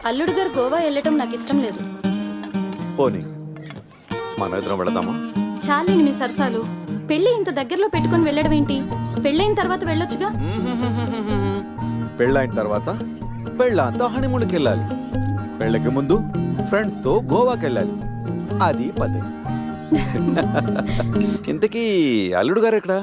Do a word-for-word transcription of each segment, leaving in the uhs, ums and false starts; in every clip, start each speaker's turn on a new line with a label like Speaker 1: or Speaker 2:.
Speaker 1: అల్లుడు గారు గోవా వెళ్ళటం నాకు ఇష్టం లేదు.
Speaker 2: పోనీ మన ఇద్దరం వెళదామా?
Speaker 1: చాలండి మీ సరసాలు. పెళ్లి ఇంత దగ్గరలో పెట్టుకుని వెళ్ళడం ఏంటి? పెళ్ళైన తర్వాత వెళ్ళొచ్చుగా.
Speaker 2: పెళ్ళైన తర్వాత పెళ్ళంతా హనీమూన్కి వెళ్ళాలి. పెళ్ళకి ముందు ఫ్రెండ్స్ తో గోవాకి వెళ్ళాలి. అది పద్ధతి. ఇంతకీ అల్లుడు గారు ఎక్కడా?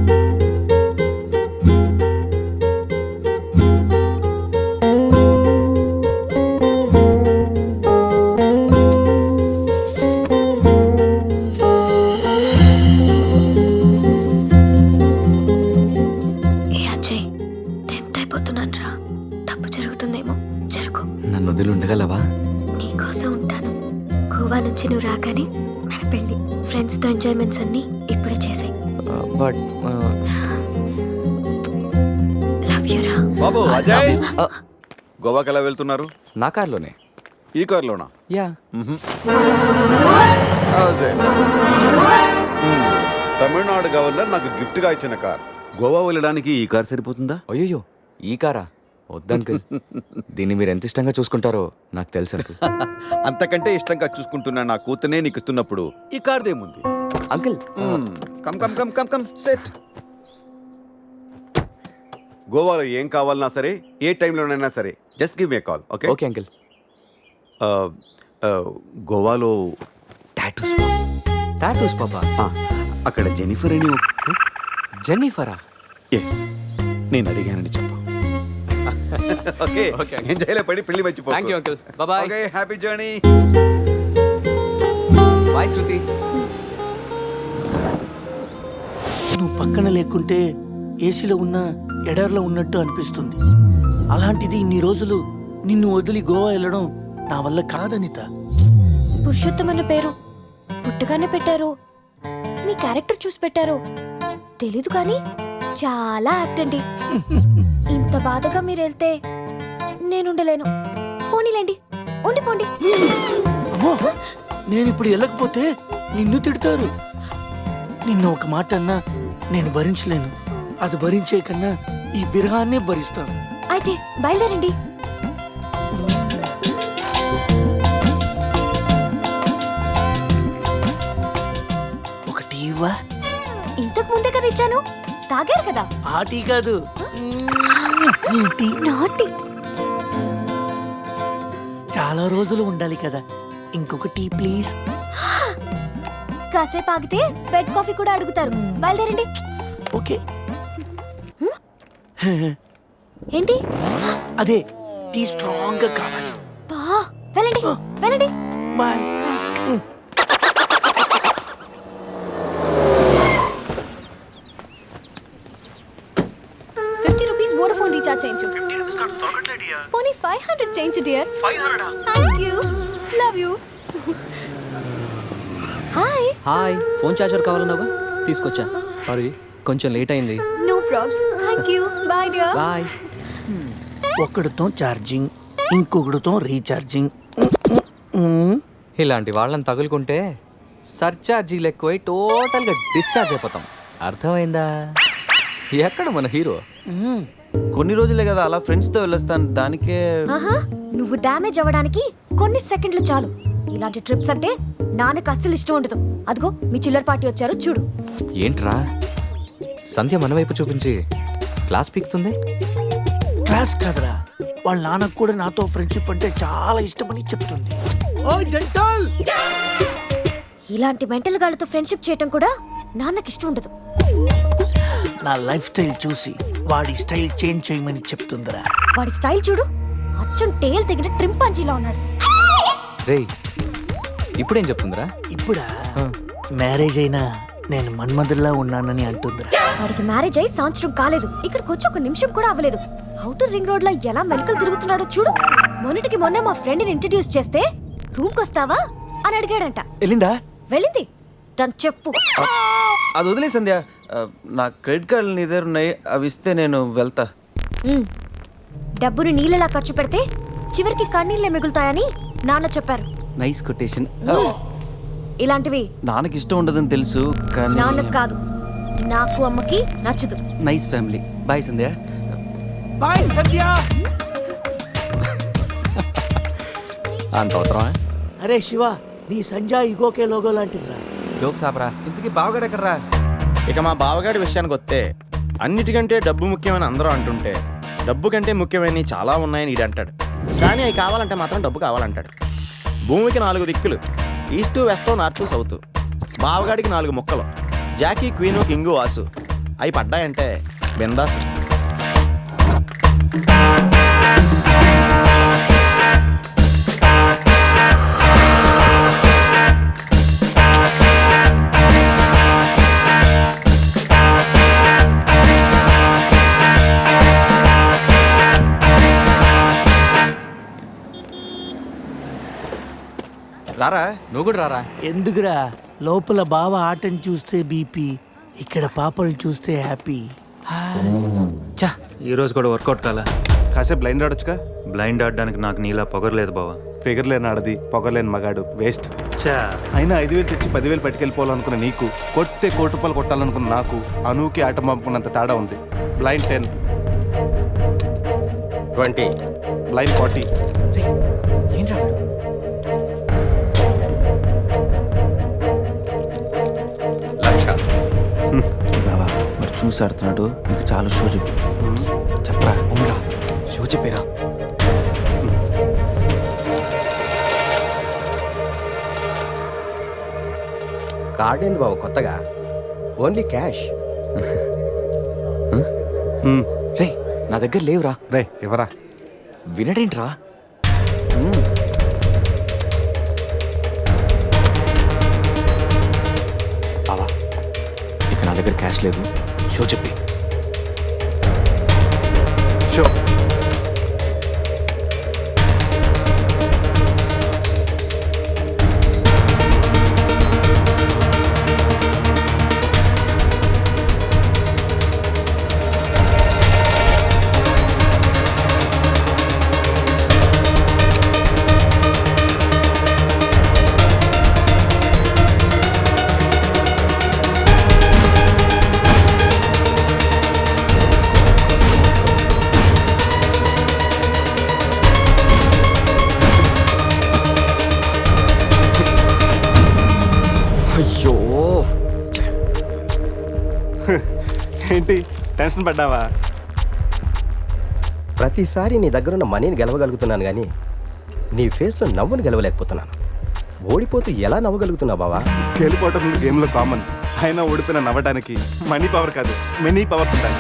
Speaker 3: నన్ను వదిలి ఉండగలవా?
Speaker 4: నీకోసం ఉంటాను. గోవా నుంచి నువ్వు రాగానే మన పెళ్లి. ఫ్రెండ్స్ తో ఎంజాయ్మెంట్స్ అన్ని ఇప్పుడే చేసాయి.
Speaker 3: బట్
Speaker 4: లవ్ యు రా.
Speaker 2: బాబు అజయ్, గోవాకి ఎలా వెళ్తున్నారు?
Speaker 3: నా కార్లోనే.
Speaker 2: ఈ కార్లోనా?
Speaker 3: యా.
Speaker 2: అజయ్, తమిళనాడు గవర్నర్ నాకు గిఫ్ట్ గా ఇచ్చిన కార్. గోవా వెళ్ళడానికి ఈ కార్ సరిపోతుందా?
Speaker 3: అయ్యో, ఈ కారా? వద్దంకుల్. దీన్ని మీరు ఎంత ఇష్టంగా చూసుకుంటారో నాకు తెలుసు అంకుల్.
Speaker 2: అంతకంటే ఇష్టంగా చూసుకుంటున్నా నా కూతునే నీకు ఇస్తున్నప్పుడు ఈ కార్దేముంది?
Speaker 3: Uncle
Speaker 2: come come come come come set. గోవాలో ఏం కావాలన్నా సరే, ఏ టైంలోనైనా సరే, just give me a call. Okay
Speaker 3: okay uncle.
Speaker 2: గోవాలో టాటూస్.
Speaker 3: టాటూస్ పాపా?
Speaker 2: అక్కడ జెనిఫర్ అని.
Speaker 3: జెన్నిఫరా?
Speaker 2: ఎస్, నేను అడిగానని చెప్పు. ఓకే ఓకే, ఎంజాయ్లో పడి పెళ్లి మర్చిపో.
Speaker 3: Thank you uncle. Bye bye.
Speaker 2: Okay, happy journey.
Speaker 3: Bye Shruti.
Speaker 5: నువ్వు పక్కన లేకుంటే ఏసీలో ఉన్న ఎడార్లో ఉన్నట్టు అనిపిస్తుంది. అలాంటిది ఇన్ని రోజులు నిన్ను వదిలి గోవా వెళ్ళడం నా వల్ల కాదనిత.
Speaker 4: పురుషోత్తం అన్న పేరు పుట్టగానే పెట్టారు. మీ క్యారెక్టర్ చూసి పెట్టారు తెలీదు కానీ చాలా యాక్ట్ అండి. ఇంత బాధగా మీరు వెళ్తే నేనుండలేను. పోనీలేండి, ఉండిపోండి.
Speaker 5: అమ్మో, నేను ఇప్పుడు వెళ్ళకపోతే నిన్ను తిడతారు. నిన్ను ఒక మాట అన్నా నేను భరించలేను. అది భరించే కన్నా ఈ బిరహాన్నే భరిస్తాను.
Speaker 4: అయితే బయలుదేరండి.
Speaker 5: ఒకటి ఇవ్వా?
Speaker 4: ఇంతకు ముందే కదా ఇచ్చాను, తాగారు కదా.
Speaker 5: ఆ టీ కాదు, ఈ టీ.
Speaker 4: నాటి
Speaker 5: చాలా రోజులు ఉండాలి కదా, ఇంకొక టీ ప్లీజ్.
Speaker 4: కాసేపు ఆగితే బెడ్ కాఫీ కూడా అడుగుతారు. బయలుదేరండి.
Speaker 5: ఓకే.
Speaker 4: ఏంటి?
Speaker 5: అదే టీ స్ట్రాంగ్ గా కావాలి.
Speaker 4: బా, వెళ్ళండి వెళ్ళండి.
Speaker 5: Bye.
Speaker 4: Fifty rupees Vodafone recharge చేయించు. పోనీ ఫైవ్ హండ్రెడ్ చేయించు dear. Thank you, love you. Hi.
Speaker 6: Hi, phone charger కావాలన్నావా? తీసుకొచ్చా. సారీ, కొంచెం లేట్ అయింది.
Speaker 4: No probs. Thank you. Bye dear.
Speaker 6: Bye.
Speaker 5: ఒకడితో ఛార్జింగ్, ఇంకొకడితో రీఛార్జింగ్.
Speaker 3: ఇలాంటి వాళ్ళని తగులుకుంటే సర్చార్జీలు ఎక్కువై టోటల్గా డిశ్చార్జ్ అయిపోతాం. అర్థమైందా? ఎక్కడ మన హీరో?
Speaker 6: కొన్ని రోజులే కదా అలా ఫ్రెండ్స్తో వెళ్ళొస్తాను. దానికే
Speaker 4: ఆహా, నువ్వు డ్యామేజ్ అవ్వడానికి కొన్ని సెకండ్లు చాలు. ఇలాంటి ట్రిప్స్ అంటే నాన్నకు అస్సలు ఇష్టం ఉండదు. అదిగో మీ చిల్లర పార్టీ వచ్చారు చూడు.
Speaker 3: ఏంట్రా సంధ్య మన వైపు చూపించి క్లాస్ పీకుతుంది?
Speaker 5: క్లాస్ కాదురా, వాళ్ళ నాన్నకు కూడా నాతో ఫ్రెండ్షిప్ అంటే చాలా ఇష్టమని చెప్తుంది.
Speaker 4: ఇలాంటి మెంటల్ గాళ్ళతో ఫ్రెండ్షిప్ చేయటం కూడా నాన్నకి ఇష్టం ఉండదు.
Speaker 5: నా లైఫ్ స్టైల్ చూసి వాడి స్టైల్ చేంజ్ చేయమని చెప్తుందిరా.
Speaker 4: వాడి స్టైల్ చూడు, అచ్చం టేల్ తెగిన ట్రింపాంజీలా ఉన్నాడు.
Speaker 3: రేయ్, ఇప్పుడేం చెప్తుందిరా?
Speaker 5: ఇప్పుడా? మ్యారేజ్ అయినా నేను మన్మధుల్లా ఉన్నానని అంటుందిరా.
Speaker 4: వాడికి మ్యారేజ్ అయి సంవత్సరం కాలేదు, ఇక్కడికి వచ్చి ఒక నిమిషం కూడా అవ్వలేదు. అవుటర్ రింగ్ రోడ్ లో ఎలా మెలికలు తిరుగుతున్నాడో చూడు. మొన్నటికి మొన్న మా ఫ్రెండ్ ని ఇంట్రడ్యూస్ చేస్తే రూమ్ కొస్తావా అని అడిగాడంట.
Speaker 6: వెళ్ళిందా?
Speaker 4: వెళ్ళింది. దాని చెప్పు.
Speaker 6: అది వదిలే సంధ్య, నా క్రెడిట్ కార్డులు నీ దగ్గర ఉన్నాయి, అవి ఇస్తే నేను వెళ్తా.
Speaker 4: ఉమ్, డబ్బుని నీళ్ళలా ఖర్చు పెడితే చివరికి కన్నీళ్ళే మిగులుతాయని నాన్న చెప్పారు.
Speaker 6: Nice quotation.
Speaker 4: ఇలాంటివి
Speaker 6: నాన్నకి ఇష్టం ఉండదని తెలుసు కానీ
Speaker 4: నాన్నకు కాదు, నాకు అమ్మకి నచ్చదు.
Speaker 6: Nice family. Bye Sandhya.
Speaker 5: Bye Sandhya.
Speaker 3: అంత అవసరమా?
Speaker 5: అరే శివ, నీ సంజయ్ ఇగోకే లోగో లాంటిదిరా.
Speaker 6: జోక్స్ ఆపరా. ఇంతకీ బావగాడు ఎక్కడరా?
Speaker 7: ఇక మా బావగాడి విషయానికి వస్తే అన్నిటికంటే డబ్బు ముఖ్యమని అందరూ అంటుంటే డబ్బు కంటే ముఖ్యమైనవి చాలా ఉన్నాయని ఈడు అంటాడు. కానీ అవి కావాలంటే మాత్రం డబ్బు కావాలంటాడు. భూమికి నాలుగు దిక్కులు, ఈస్ట్ వెస్ట్ నార్త్ సౌత్. బావగాడికి నాలుగు ముక్కలు, జాకీ క్వీను కింగు వాసు. అవి పడ్డాయంటే బిందాస్.
Speaker 6: రారా.
Speaker 3: నువ్వు కూడా రారా.
Speaker 5: ఎందుకురా? లోపల బావ ఆటను చూస్తే బీపీ, ఇక్కడ పాపలు చూస్తే హ్యాపీ.
Speaker 3: చా,
Speaker 8: ఈ రోజు కూడా వర్కౌట్ కాలా.
Speaker 9: కాసేపు బ్లైండ్ ఆడొచ్చుగా.
Speaker 8: బ్లైండ్ ఆడడానికి నాకు నీలా పొగరలేదు బావా.
Speaker 9: ఫిగర్ లేని ఆడది, పొగలేని మగాడు, వేస్ట్.
Speaker 8: చా,
Speaker 9: అయినా ఐదు వేలు తెచ్చి పదివేలు పట్టుకెళ్ళిపోవాలనుకున్న నీకు, కొట్టే కోటి రూపాయలు కొట్టాలనుకున్న నాకు అనూకి ఆట పంపుకున్నంత తేడా ఉంది. Blind ten,
Speaker 7: twenty,
Speaker 9: blind forty.
Speaker 3: ఏంట్రా వీడు?
Speaker 7: లక్ష.
Speaker 6: బావా మరి చూసి ఆడుతున్నాడు. ఇంకా చాలా షో చెప్పు. చెప్పరా.
Speaker 3: అవునరా, షో చెప్పేరా.
Speaker 7: కార్డు ఏంది బావ కొత్తగా? Only cash.
Speaker 3: రే, నా దగ్గర లేవురా.
Speaker 9: రే ఎవరా?
Speaker 3: వినడేంట్రా? బావా, ఇక నా దగ్గర క్యాష్ లేదు. షో చెప్పి.
Speaker 9: షో.
Speaker 7: అయ్యో,
Speaker 9: ఏంటి టెన్షన్ పడ్డావా?
Speaker 7: ప్రతిసారి నీ దగ్గరున్న మనీని గెలవగలుగుతున్నాను కానీ నీ ఫేస్లో నవ్వును గెలవలేకపోతున్నాను. ఓడిపోతూ ఎలా నవ్వగలుగుతున్నావు బావా?
Speaker 9: గెలిపోవటం గేమ్లో కామన్. అయినా ఓడిపోయిన నవ్వడానికి మనీ పవర్ కాదు, మెనీ పవర్స్ ఉంటాయి.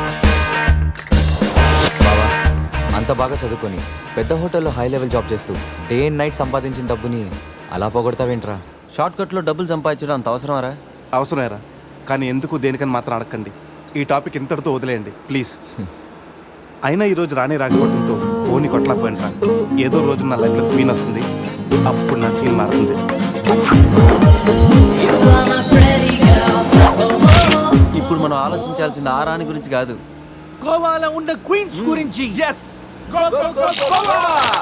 Speaker 3: బావా, అంత బాగా చదువుకొని పెద్ద హోటల్లో హై లెవెల్ జాబ్ చేస్తూ డే అండ్ నైట్ సంపాదించిన డబ్బుని అలా పోగొడతావేంట్రా?
Speaker 6: షార్ట్ కట్లో డబ్బులు సంపాదించడం అంత అవసరమారా?
Speaker 9: అవసరమేరా, కానీ ఎందుకు దేనికని మాత్రం అడగండి. ఈ టాపిక్ ఇంతటితో వదిలేయండి ప్లీజ్. అయినా ఈరోజు రానే రాకపోవడంతో ఓని కొట్టలేకపోయినరా. ఏదో రోజు నా లైఫ్లో క్వీన్ వస్తుంది, అప్పుడు నా సీన్ మారుతుంది.
Speaker 6: ఇప్పుడు మనం ఆలోచించాల్సింది ఆ రాణి గురించి కాదు,
Speaker 5: గోవాలో ఉన్న క్వీన్స్ గురించి.
Speaker 9: Yes! Go, go, go, Goa!